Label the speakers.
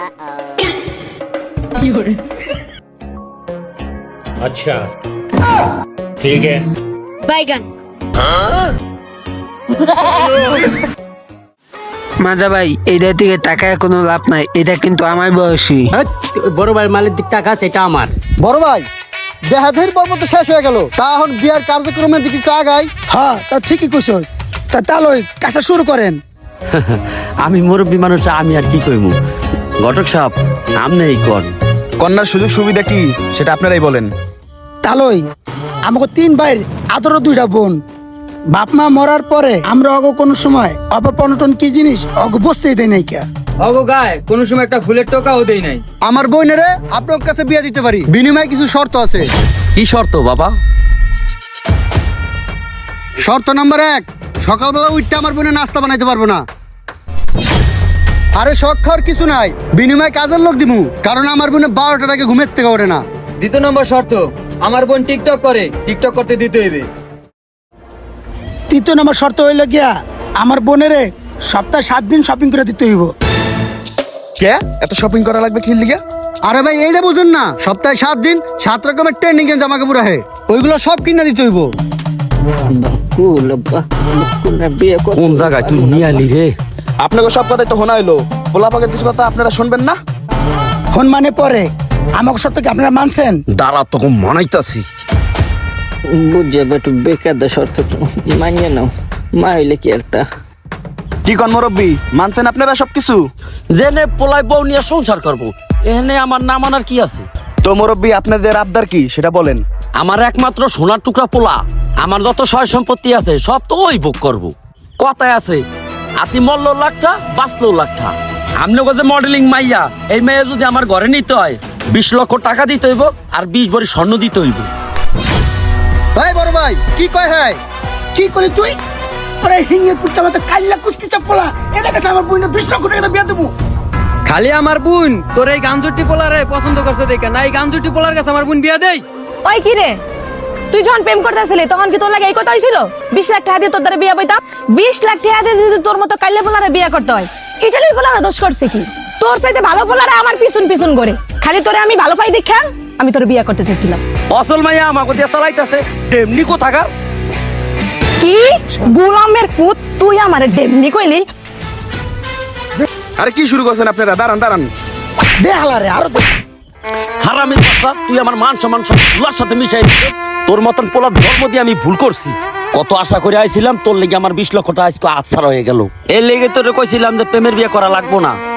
Speaker 1: अच्छा ठीक है
Speaker 2: বাইগান।
Speaker 3: মাজা ভাই এইটার দিকে তাকায় কোনো লাভ নাই, এটা কিন্তু আমার বয়সী।
Speaker 4: বড় ভাইয়ের মালের দিক টাকা আছে, এটা আমার।
Speaker 5: বড় ভাই দেহাধের পর্ব তো শেষ হয়ে গেল, তা এখন বিয়ার কার্যক্রমের দিকে একটু আগাই।
Speaker 3: হ্যাঁ তা ঠিকই কইছস। তা তাহলে কাজটা শুরু করেন।
Speaker 4: আমি মুরব্বী মানুষ, আমি আর কি কইমু। ঘটক সাহেব আমনে এই কর।
Speaker 6: কন্যার সুযোগ সুবিধা কি সেটা আপনারাই বলেন।
Speaker 3: তালই আমাকে 3 ভাইয়ের আদর 2টা বোন। বাপ মা মরার পরে আমরা অগ কোনো সময় অপনটন কি জিনিস অগ বসতেই দেয় নাই কে।
Speaker 7: অগো গায়ে কোনো সময় একটা ফুলের টোকাও দেই নাই।
Speaker 5: আমার বোনেরে আপনার কাছে বিয়ে দিতে পারি, বিনিময়ে কিছু শর্ত আছে।
Speaker 4: কি শর্ত বাবা?
Speaker 5: শর্ত নাম্বার 1, সকালবেলা উঠতে আমার বোনে নাস্তা বানাইতে পারবো না। আরে শখ খাওয়ার কিছু নাই, বিনিময়ে কাজের লোক দিমু, কারণ আমার বোনে 12টার আগে ঘুমের থেকে ওঠে না।
Speaker 7: 2 নম্বর শর্ত, আমার বোন টিকটক করে, টিকটক করতে দিতে হইবে।
Speaker 3: 3 নম্বর শর্ত হইল গিয়া আমার বোনেরে সপ্তাহে 7 দিন শপিং করে দিতে হইব।
Speaker 6: কে এত শপিং করা লাগবে কি লিগা?
Speaker 5: আরে ভাই এইটা বুঝুন না, সপ্তাহে 7 দিন 7 রকমের ট্রেন্ডিং এর জামা কাপড় আহে, ওইগুলো সব কিনা দিতে হইব।
Speaker 4: কোন জায়গায় তুই নিয়ে আলি রে?
Speaker 6: আপনাকে সব কথাই তো শোনা হইলো, পোলাপাকের কিছু কথা আপনারা শুনবেন না?
Speaker 3: ফোন মানে পরে আমাকে সত্য কি আপনারা মানছেন?
Speaker 4: দাঁড়া তোকে মানাইতাছি।
Speaker 8: বুঝে বেটু বেকার দা শর্ত তো মানিয়ে নাও, মা হইলে কি আর তা।
Speaker 6: কি কন মুরব্বী, মানছেন আপনারা সবকিছু?
Speaker 4: জেনে পোলাই বউ নিয়ে সংসার করবো, এখানে আমার না মানার কি আছে?
Speaker 6: তো মুরব্বী আপনাদের আবদার কি সেটা বলেন।
Speaker 4: আমার একমাত্র সোনার টুকরা পোলা, আমার যত সয় সম্পত্তি আছে সব তো ওই ভোগ করবো। কথায় আছে আতি মরলো লাখটা বাঁচলো লাখটা। আমনে যে মডেলিং মাইয়া, এই মেয়ে যদি আমার ঘরে নিতে হয় 20 লক্ষ টাকা দিতে হইব আর 20 ভরি স্বর্ণ দিতে হইব।
Speaker 5: ভাই বড় ভাই কি কয়? হ্যাঁ
Speaker 3: কি করলি তুই? আরে হিঙ্গের পুটটা মতো কাল্লা কুস্কি চাপলা, এটা কাছে আমার বোনের 20 লক্ষ টাকা বিয়া দেবো।
Speaker 7: খালি আমার বোন তোর এই গাঞ্জুটি পোলারে পছন্দ করছে দেখে না, এই গাঞ্জুটি পোলার কাছে আমার বোন বিয়া দেই।
Speaker 2: ওই কি রে, তুই যখন প্রেম করতেছিলি তখন কি তোর লাগে এই কথা হয়েছিল 20 লাখ টাকা দিয়ে তোর দ্বারা বিয়া বইতাম? 20 লাখ টাকা দিয়ে যদি তোর মতো কাইলে পোলারে বিয়া করতে হয়, ইটালির পোলারা দোষ করছে কি? তোর চাইতে ভালো পোলারা আমার পিছন পিছন করে, খালি তোরে আমি ভালো পাই দেখা আমি তোর বিয়া করতে চাইছিলাম।
Speaker 4: অসল মাইয়া আমাকে দিয়ে চালাইতেছে, এমনি কোথাকার।
Speaker 2: কি গোলামের পুত, তুই আমার ডেমনি কইলি?
Speaker 6: আরে কি শুরু করছেন আপনারা? দাঁড়ান দাঁড়ান।
Speaker 3: দে হালারে আরো দে।
Speaker 4: হারামি কথা, তুই আমার মান সম্মান সব পোলার সাথে মিশাই দিছিস। তোর মতন পোলার ধর্ম দিয়ে আমি ভুল করছি। কত আশা করে আইছিলাম, তোর লেগে আমার 20 লক্ষ টাকা আজকে আছাড় হয়ে গেল। এর লেগে তোরে কইছিলাম যে প্রেমের বিয়ে করা লাগবো না।